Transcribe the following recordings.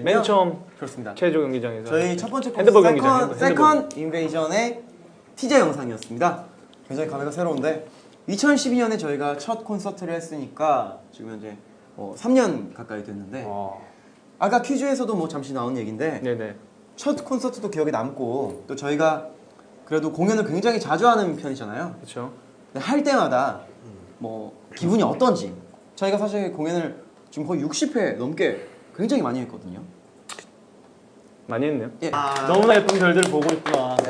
맨 처음 그렇습니다. 체조 경기장에서 저희 첫 번째 핸드볼 콘서트 경기장, 세컨 인베이전의 티저 영상이었습니다. 굉장히 감회가 새로운데 2012년에 저희가 첫 콘서트를 했으니까 지금 현재 3년 가까이 됐는데 아까 퀴즈에서도 뭐 잠시 나온 얘기인데 네네. 첫 콘서트도 기억에 남고 또 저희가 그래도 공연을 굉장히 자주 하는 편이잖아요. 그렇죠. 할 때마다 뭐 기분이 어떤지 저희가 사실 공연을 지금 거의 60회 넘게 굉장히 많이 했거든요. 많이 했네요. 예. 너무나 예쁜 별들을 보고 있구나. 네.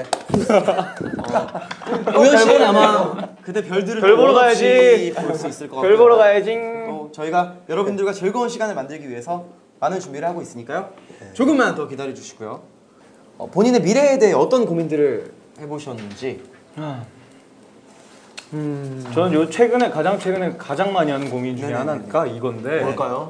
우현 씨는 아마 그때 별들을 별 보러 가야지. 볼 수 있을 것 같아요. 별 보러 가야지. 저희가 여러분들과 즐거운 시간을 만들기 위해서 많은 준비를 하고 있으니까요. 조금만 더 기다려 주시고요. 본인의 미래에 대해 어떤 고민들을 해보셨는지. 저는 최근에 가장 많이 하는 고민 중에 하나가 이건데. 뭘까요?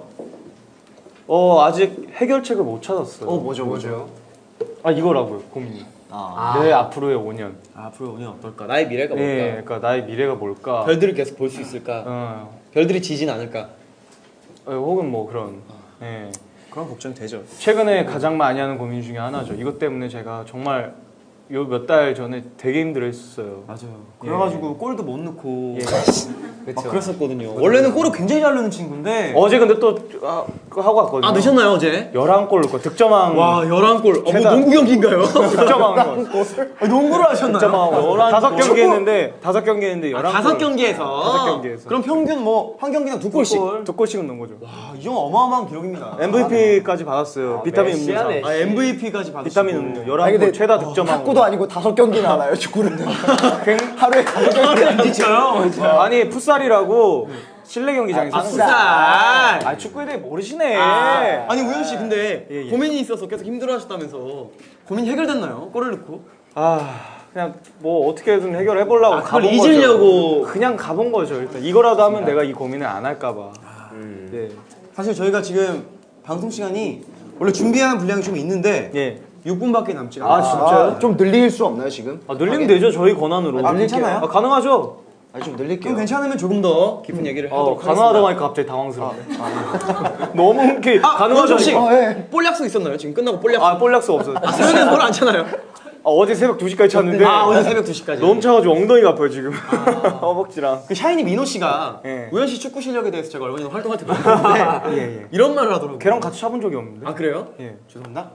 아직 해결책을 못 찾았어요. 뭐죠? 이거라고요, 고민이. 내 앞으로의 5년. 앞으로 5년 어떨까? 나의 미래가 뭘까? 네, 그러니까 나의 미래가 뭘까? 별들을 계속 볼 수 있을까? 별들이 지진 않을까? 혹은 뭐 그런. 네. 그런 걱정이 되죠. 최근에 가장 많이 하는 고민 중에 하나죠. 이것 때문에 제가 정말 요 몇 달 전에 되게 힘들어했어요. 맞아요. 그래가지고 골도 못 넣고 막 그쵸. 그랬었거든요. 원래는 골을 굉장히 잘 넣는 친구인데 어제 근데 또 그거 하고 왔거든요. 넣으셨나요 어제? 11골 넣고 득점왕. 와 11골. 뭐 농구 경기인가요? 득점왕. 농구를 하셨나요? 득점왕. 5경기 했는데 5경기 했는데 11골. 5경기에서. 5경기에서. 그럼 평균 뭐 한 경기당 2골씩. 2골씩은 넣은 거죠. 와, 이 정도 어마어마한 기록입니다. MVP까지 받았어요. 비타민 음료상. MVP까지 받으시고. 비타민 음료. 11골 최다 득점왕. 탁구도 아니고 5경기나 하나요, 축구는? 하루에 5경기. 진짜요? 아니 풋살이라고 실내 경기장에서 하는 거예요. 풋살. 축구에 대해 모르시네. 아니 우현 씨 근데 예. 고민이 있어서 계속 힘들어하셨다면서 고민이 해결됐나요? 골을 넣고? 그냥 뭐 어떻게든 해결해 보려고 그걸 가본 잊으려고. 거죠. 그냥 가본 거죠. 일단 이거라도 하면 내가 이 고민을 안 할까 봐. 네. 사실 저희가 지금 방송 시간이 원래 준비한 분량이 좀 있는데 예. 6분밖에 남지 않아요. 진짜요? 좀 늘릴 수 없나요, 지금? 늘리면 되죠. 저희 권한으로. 괜찮아요? 가능하죠. 좀 늘릴게요. 그럼 괜찮으면 조금 더 깊은 얘기를 하도록 가능하다고 하겠습니다. 하니까 갑자기 당황스럽네. 너무 이렇게 가능하죠. 혹시 예. 볼 약속 있었나요? 지금 끝나고 볼 약속. 볼 약속 없어요. 새벽에 볼안 차나요? 어제 새벽 2시까지 잤는데 오늘 새벽 2시까지. 너무 차가지고 엉덩이가 아파요 지금. 허벅지랑. 그 샤이니 민호 씨가 예. 우현 씨 축구 실력에 대해서 제가 얼마 전에 활동할 때 봤는데 이런 말을 하더라고요. 걔랑 같이 차본 적이 없는데. 그래요? 예. 죄송합니다.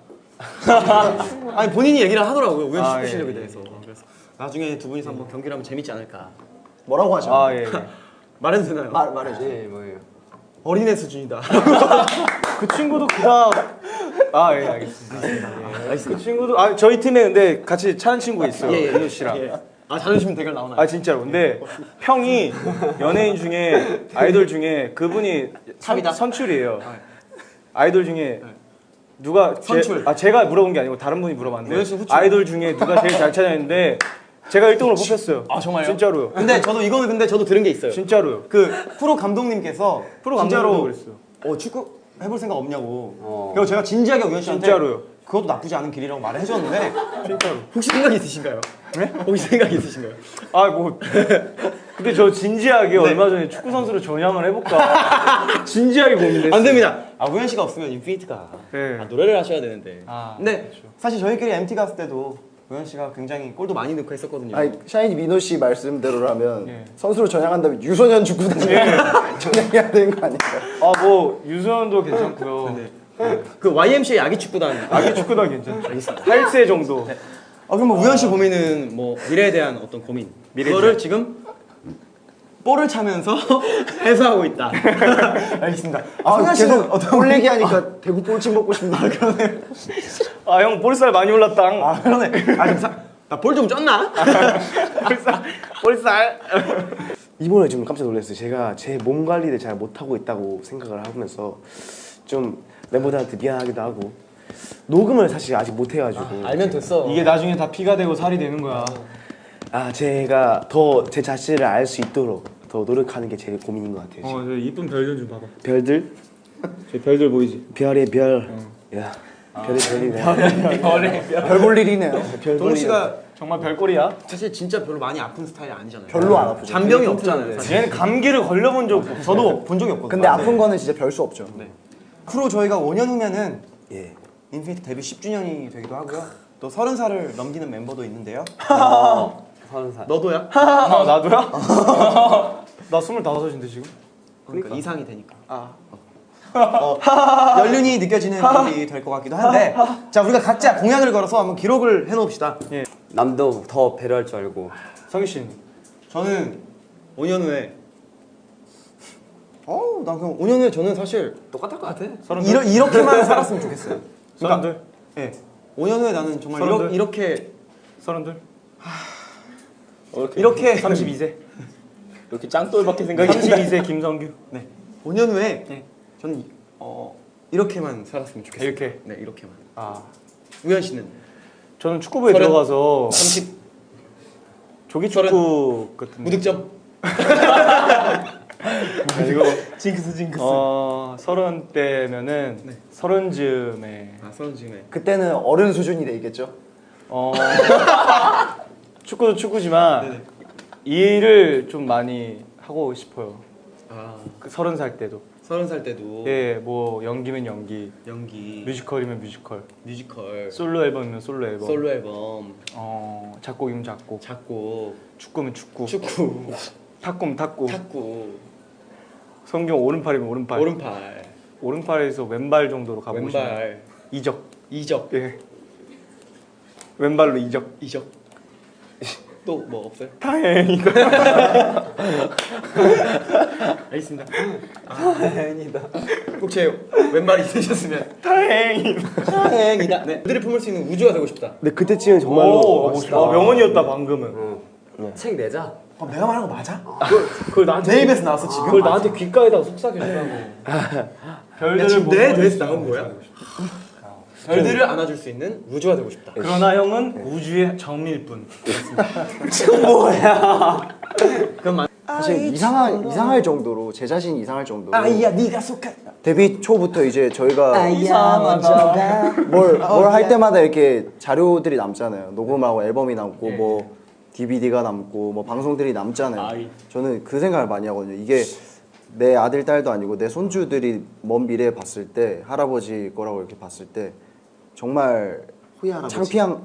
아니 본인이 얘기를 하더라고요. 우현 씨 축구 예, 실력에 예, 대해서. 그래서 나중에 두 분이서 한번 경기를 하면 재밌지 않을까. 뭐라고 하죠? 예. 말해도 되나요? 말해줘. 뭐예요? 어린애 수준이다. 그 친구도 그닥 예, 알겠습니다. 그 친구도 저희 팀에 근데 같이 차는 친구가 있어요. 민호 씨랑. 자존심 대결 나오나요? 진짜로. 근데 형이 연예인 중에 아이돌 중에 그분이 탑이다? 선출이에요. 아이돌 중에 누가 선출. 제가 물어본 게 아니고 다른 분이 물어봤는데 우현 씨 후출. 아이돌 중에 누가 제일 잘 찾아냈는데 제가 1등으로 뽑혔어요. 정말요? 진짜로요. 근데 저도 들은 게 있어요. 진짜로요. 그 프로 감독님께서 프로 진짜로 감독님도 그랬어요. 축구 해볼 생각 없냐고. 그리고 제가 진지하게 우현 씨한테 진짜로요. 그것도 나쁘지 않은 길이라고 말을 해줬는데 진짜로. 혹시 생각이 있으신가요? 네? 혹시 생각이 있으신가요? 근데 저 진지하게 얼마 전에 축구 선수로 전향을 해볼까 진지하게 고민했어요. 안 됩니다. 우현 씨가 없으면 인피니트가 네. 노래를 하셔야 되는데. 근데 그렇죠. 사실 저희끼리 MT 갔을 때도 우현 씨가 굉장히 골도 많이 넣고 했었거든요. 샤이니 민호 씨 말씀대로라면 예. 선수로 전향한다면 유소년 축구단에 전향해야 되는 거 아닌가요? 유소년도 괜찮고요. 그 YMCA 아기 축구단. 아기 축구단 괜찮죠. 8세 정도. 그럼 뭐 우현 씨 고민은 뭐 미래에 대한 어떤 고민. 그거를 지금 볼을 차면서 해소하고 있다. 알겠습니다. 승현 씨는 계속 어떤 볼 얘기하니까 대구 볼침 먹고 싶네. 그러네. 형 볼살 많이 올랐당. 그러네. 나 볼 좀 쪘나? 볼살. 이번에 좀 깜짝 놀랐어요. 제가 제 몸 관리를 잘 못하고 있다고 생각을 하면서 좀 멤버들한테 미안하기도 하고 녹음을 사실 아직 못 해가지고 알면 됐어. 이게 나중에 다 피가 되고 살이 되는 거야. 제가 더 제 자신을 알 수 있도록 더 노력하는 게 제일 고민인 것 같아요. 저 이쁜 별들 좀 봐봐. 별들? 저 별들 보이지? 별의 별. 야, 별의 별이네. 별 볼 일이네요. 동욱 씨가 정말 별꼴이야. 사실 진짜 별로 많이 아픈 스타일이 아니잖아요. 별로 안 아프죠. 잔병이 없잖아요. 사실. 얘는 감기를 걸려본 적 없어. 저도 본 적이 없거든요. 근데 아픈 거는 진짜 별 수 없죠. 프로 저희가 5년 후면은 인피니트 데뷔 10주년이 되기도 하고요. 또 30살을 넘기는 멤버도 있는데요. 30살. 너도야? 아, 나도야? 나 25인데 지금. 그러니까 이상이 되니까. 연륜이 느껴지는 일이 될 것 같기도 한데, 자 우리가 각자 공약을 걸어서 한번 기록을 해놓읍시다. 남도 더 배려할 줄 알고. 성희 씨는? 저는 5년 후에 난 그냥 5년 후에 저는 사실 똑같을 것 같아. 이렇게만 살았으면 좋겠어요. 서른둘? 예. 5년 후에 나는 정말 서른둘? 이렇게 서른둘? 이렇게 32세. 이렇게 짱돌밖에 생각이 32세 김성규. 네. 5년 후에 네. 저는 이렇게만 살았으면 좋겠어요. 이렇게? 네, 이렇게만. 아, 우현 씨는 저는 축구부에 서른? 들어가서 30 조기 축구 같은. 무득점. 이거 징크스. 30대면은 네. 30즈음에 서른쯤에. 그때는 어른 수준이 되겠죠? 축구도 축구지만 네네. 일을 좀 많이 하고 싶어요. 아, 그 30살 때도. 30살 때도 예, 뭐 연기면 연기, 연기, 뮤지컬이면 뮤지컬, 뮤지컬, 솔로 앨범이면 솔로 앨범, 솔로 앨범, 작곡이면 작곡, 작곡, 축구면 축구, 축구, 탁구면 탁구, 탁구, 성경 오른팔이면 오른팔, 오른팔, 오른팔에서 왼발 정도로 가보고 싶어요. 왼발, 이적, 이적, 예, 왼발로 이적. 이적. 또 뭐 없어요? 다행이다. 알겠습니다. 다행이다. 꼭 제 왼발이 있으셨으면 다행이다. 다행이다. 네. 그들이 품을 수 있는 우주가 되고 싶다. 근데 그때쯤은 정말로 오, 명언이었다 방금은. 책 내자. 내가 말한 거 맞아? 그걸 나한테 내 입에서 나왔어 지금? 그걸 나한테 귓가에다가 속삭여주라고. 별들을 내 보고 뇌에서 나온 거야? 별들을 안아줄 수 있는 우주가 되고 싶다. 그러나 형은 우주의 정밀뿐. 사실 이상할 정도로 제 자신이 이상할 정도로 아이야 네가 속한 데뷔 초부터 이제 저희가 아이야 먼저가 뭘 할 때마다 이렇게 자료들이 남잖아요. 녹음하고 앨범이 남고 뭐 DVD가 남고 뭐 방송들이 남잖아요. 저는 그 생각을 많이 하거든요. 이게 내 아들 딸도 아니고 내 손주들이 먼 미래에 봤을 때 할아버지 거라고 이렇게 봤을 때 정말 창피한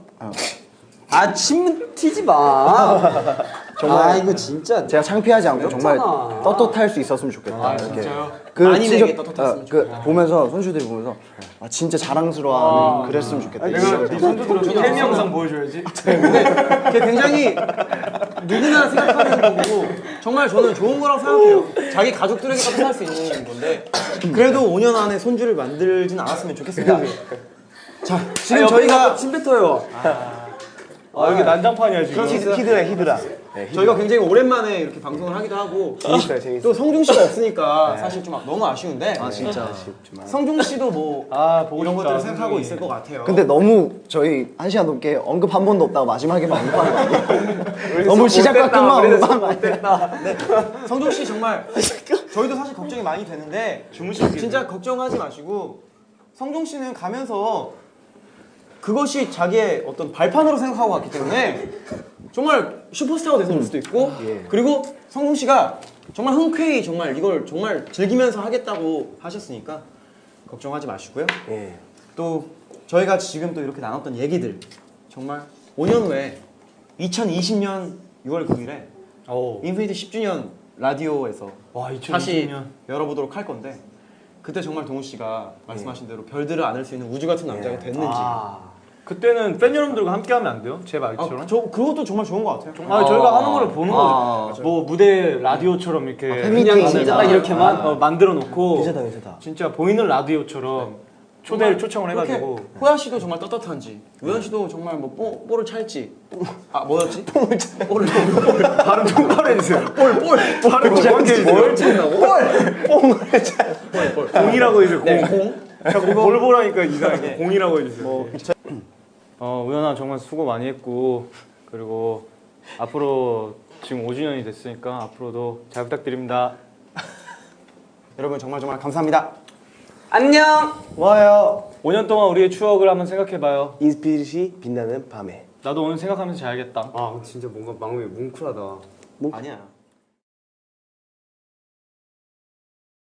침 튀지 마. 정말 이거 진짜. 제가 창피하지 않고 정말 그렇잖아. 떳떳할 수 있었으면 좋겠다. 이렇게. 그 만인에게 진짜- 떳떳했으면 그 보면서 손주들이 보면서 진짜 자랑스러워하는 그랬으면 좋겠다. 내가 네 손주들한테 텔미 영상 보여줘야지. 그게 굉장히 누구나 생각하는 거고 정말 저는 좋은 거라고 생각해요. 자기 가족들에게까지 할 수 있는 건데 그래도 5년 안에 손주를 만들진 않았으면 좋겠습니다. 자 지금 저희가 침 뱉어요. 여기 난장판이야 지금. 히드라. 저희가 굉장히 오랜만에 이렇게 방송을 하기도 하고 재밌어요. 또 성중 씨가 없으니까 사실 좀 너무 아쉬운데 진짜. 성중 씨도 뭐 보고 이런 싶다, 것들을 생각하고 성중이. 있을 것 같아요. 근데 너무 저희 1시간 넘게 언급 한 번도 없다가 마지막에만 언급한 거 아니에요? 너무 시작과 끝만 언급한 거 아니에요? 네. 성중 씨 정말 저희도 사실 걱정이 많이 되는데 진짜 걱정하지 마시고 성중 씨는 가면서 그것이 자기의 어떤 발판으로 생각하고 갔기 때문에 정말 슈퍼스타가 돼서 올 수도 있고 그리고 성중 씨가 정말 흔쾌히 정말 이걸 정말 즐기면서 하겠다고 하셨으니까 걱정하지 마시고요. 또 저희가 지금 또 이렇게 나눴던 얘기들 정말 5년 후에 2020년 6월 9일에 인피니트 10주년 라디오에서 와 2020년. 다시 열어보도록 할 건데 그때 정말 동우 씨가 말씀하신 대로 별들을 안을 수 있는 우주 같은 남자가 됐는지 그때는 팬 여러분들과 함께 하면 안 돼요? 제 말처럼? 그것도 정말 좋은 것 같아요. 저희가 하는 거를 보는 거죠. 뭐 무대 라디오처럼 이렇게 팬미팅 진짜 이렇게만 만들어 놓고 유세다. 진짜 보이는 라디오처럼 초청을 그렇게 해가지고 호야 씨도 정말 떳떳한지 우현 씨도 정말 뭐 볼을 찰지 뭐였지? 발음 똑바로 해주세요. 발음 정확히 해주세요. 뭘 찾나고? 공이라고 해주세요. 네, 공. 자꾸 뭘 보라니까 이상하게 공이라고 해주세요. 우연아 정말 수고 많이 했고 그리고 앞으로 지금 5주년이 됐으니까 앞으로도 잘 부탁드립니다. 여러분 정말 감사합니다. 안녕. 와요. 5년 동안 우리의 추억을 한번 생각해봐요. 인스피릿이 빛나는 밤에. 나도 오늘 생각하면서 자야겠다. 진짜 뭔가 마음이 뭉클하다. 아니야.